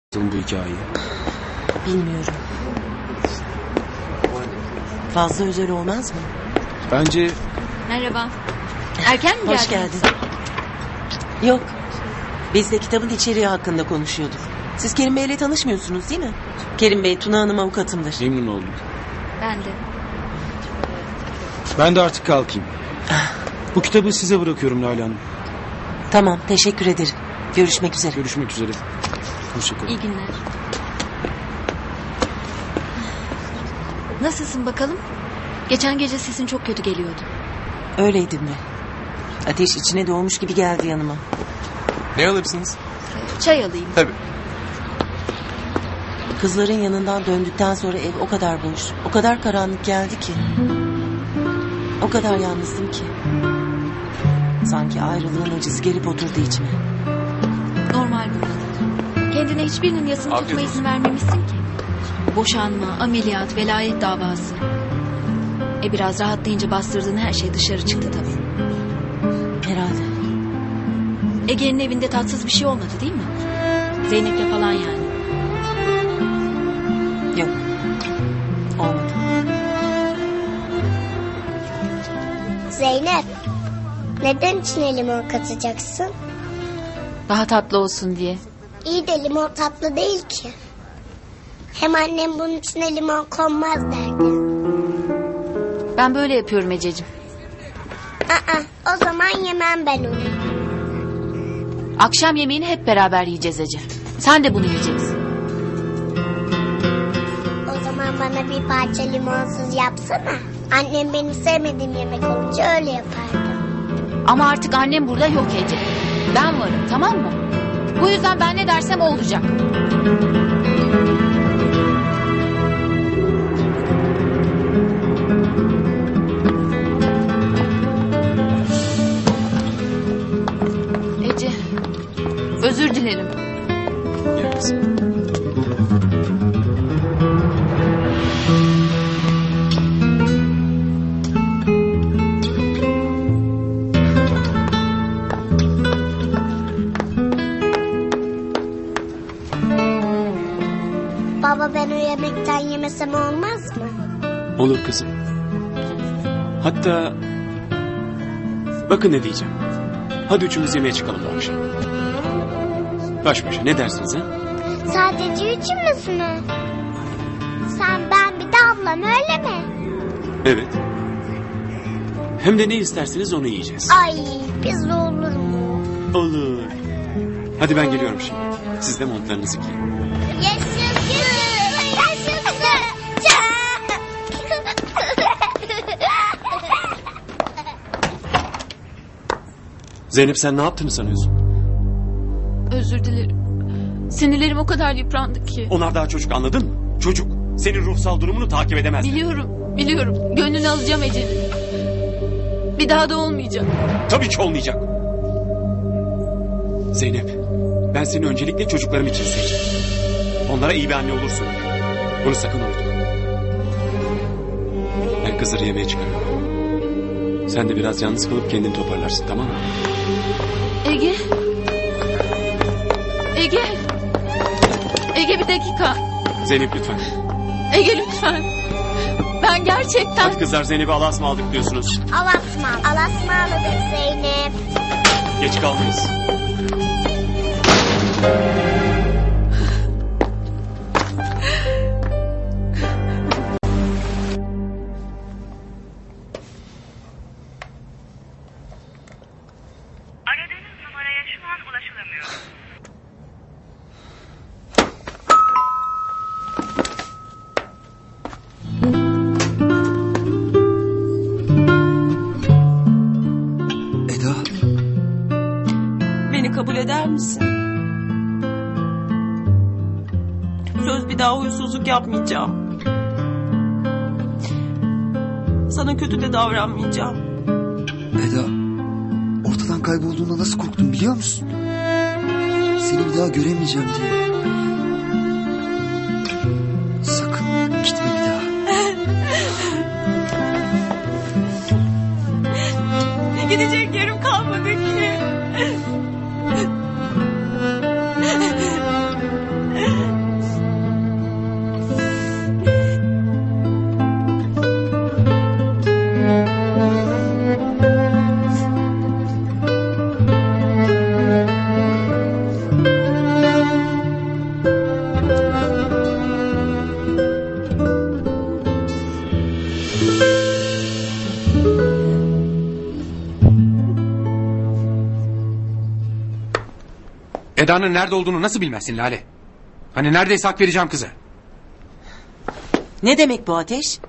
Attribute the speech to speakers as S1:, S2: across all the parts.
S1: bu hikayeyi?
S2: Bilmiyorum. Fazla özel olmaz mı?
S1: Bence
S3: Merhaba. Erken mi geldiniz?
S2: Hoş geldin. Yok. Biz de kitabın içeriği hakkında konuşuyorduk. Siz Kerim Bey'le tanışmıyorsunuz değil mi? Kerim Bey, Tuna Hanım avukatımdır.
S1: memnun oldum.
S3: Ben de.
S1: Ben de artık kalkayım. Bu kitabı size bırakıyorum Lale Hanım.
S2: Tamam, teşekkür ederim. Görüşmek üzere.
S1: Görüşmek üzere. Hoşçakalın.
S3: İyi günler. Nasılsın bakalım? Geçen gece sesin çok kötü geliyordu.
S2: Öyleydim de. Ateş içine doğmuş gibi geldi yanıma.
S4: Ne alırsınız?
S3: Çay alayım.
S4: Tabii.
S2: Kızların yanından döndükten sonra ev o kadar boş, o kadar karanlık geldi ki. O kadar yalnızdım ki. Sanki ayrılığın acısı gelip oturdu içime.
S3: Normal bu. Kendine hiçbirinin yasını
S4: Afiyet
S3: tutma
S4: olsun.
S3: izin vermemişsin ki. Boşanma, ameliyat, velayet davası. Biraz rahatlayınca bastırdığın her şey dışarı çıktı tabii.
S2: Herhalde.
S3: Ege'nin evinde tatsız bir şey olmadı değil mi? Zeynep'le falan yani.
S2: Yok. Olmadı.
S5: Zeynep, neden içine limon katacaksın?
S3: Daha tatlı olsun diye.
S5: İyi de limon tatlı değil ki. Hem annem bunun içine limon konmaz derdi.
S3: Ben böyle yapıyorum Ececiğim.
S5: O zaman yemem ben onu.
S3: Akşam yemeğini hep beraber yiyeceğiz Ece. Sen de bunu yiyeceksin.
S5: O zaman bana bir parça limonsuz yapsana. Annem benim sevmediğim yemek olunca öyle yapardı.
S3: Ama artık annem burada yok Ece. Ben varım, tamam mı? Bu yüzden ben ne dersem o olacak. Ece, özür dilerim.
S1: Gel kızım.
S5: Baba, ben o yemekten yemesem olmaz mı?
S1: Olur kızım. Hatta bakın ne diyeceğim. Hadi üçümüz yemeğe çıkalım bu akşam. Baş başa ne dersiniz ha?
S5: Sadece üçümüz mü? Sen, ben, bir de ablam, öyle mi?
S1: Evet. Hem de ne isterseniz onu yiyeceğiz.
S5: Ay, pizza olur mu?
S1: Olur. Hadi ben geliyorum şimdi. Siz de montlarınızı giyin.
S5: Yaşasın! Yaşasın!
S1: Zeynep, sen ne yaptığını sanıyorsun?
S3: Özür dilerim. Sinirlerim o kadar yıprandı ki.
S1: Onlar daha çocuk, anladın mı? Çocuk. Senin ruhsal durumunu takip edemez.
S3: Biliyorum. Gönlünü alacağım Ece'nin. Bir daha da olmayacak.
S1: Tabii ki olmayacak. Zeynep, ben seni öncelikle çocuklarım için seçtim. Onlara iyi bir anne olursun. Bunu sakın unutma. Ben kızları yemeğe çıkarıyorum. Sen de biraz yalnız kalıp kendini toparlarsın, tamam mı?
S3: Ege bir dakika.
S1: Zeynep lütfen.
S3: Ege lütfen. Ben gerçekten...
S1: Hadi kızlar, Zeynep'i Allah'a ısmarladık diyorsunuz.
S5: Alasmalıdık Zeynep.
S1: Geç kalmayız.
S6: Aradığınız numaraya şu an ulaşılamıyor.
S4: Eda,
S2: Beni kabul eder misin? Söz, bir daha huysuzluk yapmayacağım. Sana kötü de davranmayacağım.
S4: Eda, ortadan kaybolduğunda nasıl korktum biliyor musun? Seni bir daha göremeyeceğim diye. Sakın gitme bir daha.
S2: Gidecek yerim kalmadı ki.
S7: Eda'nın nerede olduğunu nasıl bilmezsin Lale? Hani neredeyse hak vereceğim kıza.
S2: Ne demek bu Ateş?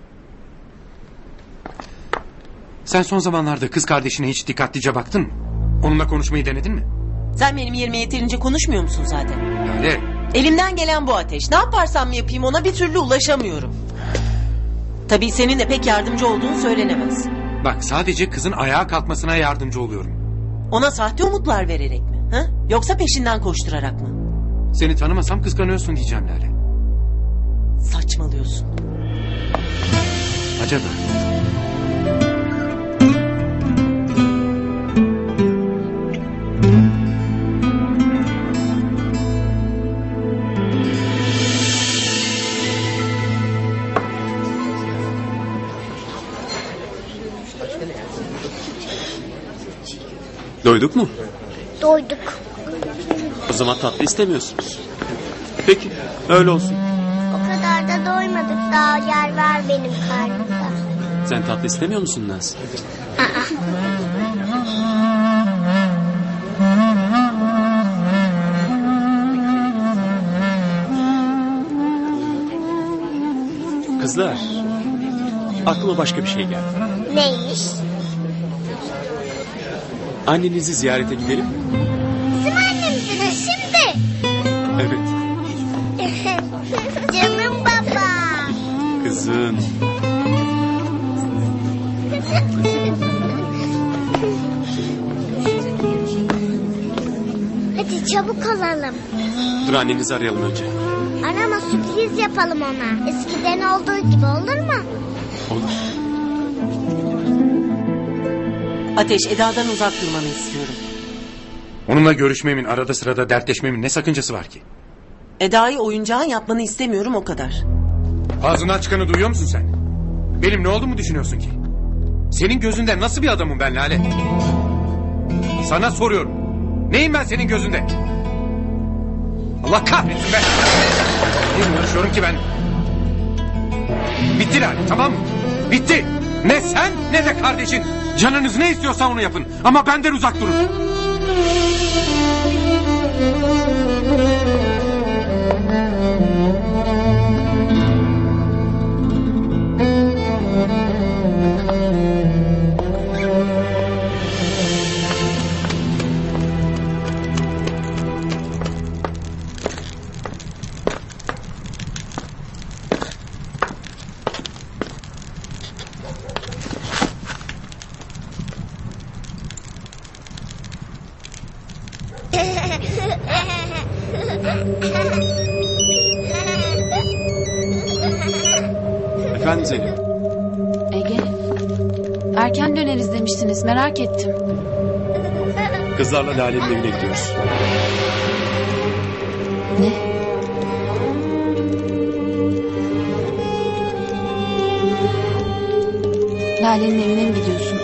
S7: Sen son zamanlarda kız kardeşine hiç dikkatlice baktın mı? Onunla konuşmayı denedin mi?
S2: Sen benim yerime yeterince konuşmuyor musun zaten?
S7: Lale,
S2: Elimden gelen bu Ateş. Ne yaparsam yapayım ona bir türlü ulaşamıyorum. Tabii senin de pek yardımcı olduğunu söylenemez.
S7: bak sadece kızın ayağa kalkmasına yardımcı oluyorum.
S2: Ona sahte umutlar vererek mi? Ha? Yoksa peşinden koşturarak mı?
S7: Seni tanımasam kıskanıyorsun diyeceğim Lale.
S2: Saçmalıyorsun.
S7: Acaba?
S1: Doyduk mu?
S5: Doyduk.
S1: O zaman tatlı istemiyorsunuz. Peki öyle olsun.
S5: O kadar da doymadık. Daha yer var benim karnımda.
S1: Sen tatlı istemiyor musun Naz? Kızlar, aklıma başka bir şey geldi.
S5: Neymiş?
S1: Annenizi ziyarete gidelim mi?
S5: Bizim annemize de şimdi.
S1: Evet.
S5: Canım baba.
S1: Kızım.
S5: Hadi çabuk olalım.
S1: Dur annenizi arayalım önce.
S5: Arama, sürpriz yapalım ona. Eskiden olduğu gibi olur mu?
S1: Olur.
S2: Ateş, Eda'dan uzak durmanı istiyorum.
S7: Onunla görüşmemin, arada sırada dertleşmemin ne sakıncası var ki?
S2: Eda'yı oyuncağın yapmanı istemiyorum, o kadar.
S7: Ağzından çıkanı duyuyor musun sen? Benim ne olduğumu düşünüyorsun ki? Senin gözünde nasıl bir adamım ben Lale? Sana soruyorum. Neyim ben senin gözünde? Allah kahretsin be! Niye uğraşıyorum ki ben? Bitti Lale, tamam mı? Bitti! Ne sen ne de kardeşin. Canınız ne istiyorsa onu yapın. Ama benden uzak durun.
S1: Efendim Zeynep.
S3: Ege, erken döneriz demiştiniz, merak ettim.
S1: Kızlarla Lale'nin evine gidiyoruz.
S3: Ne? Lale'nin evine mi gidiyorsunuz?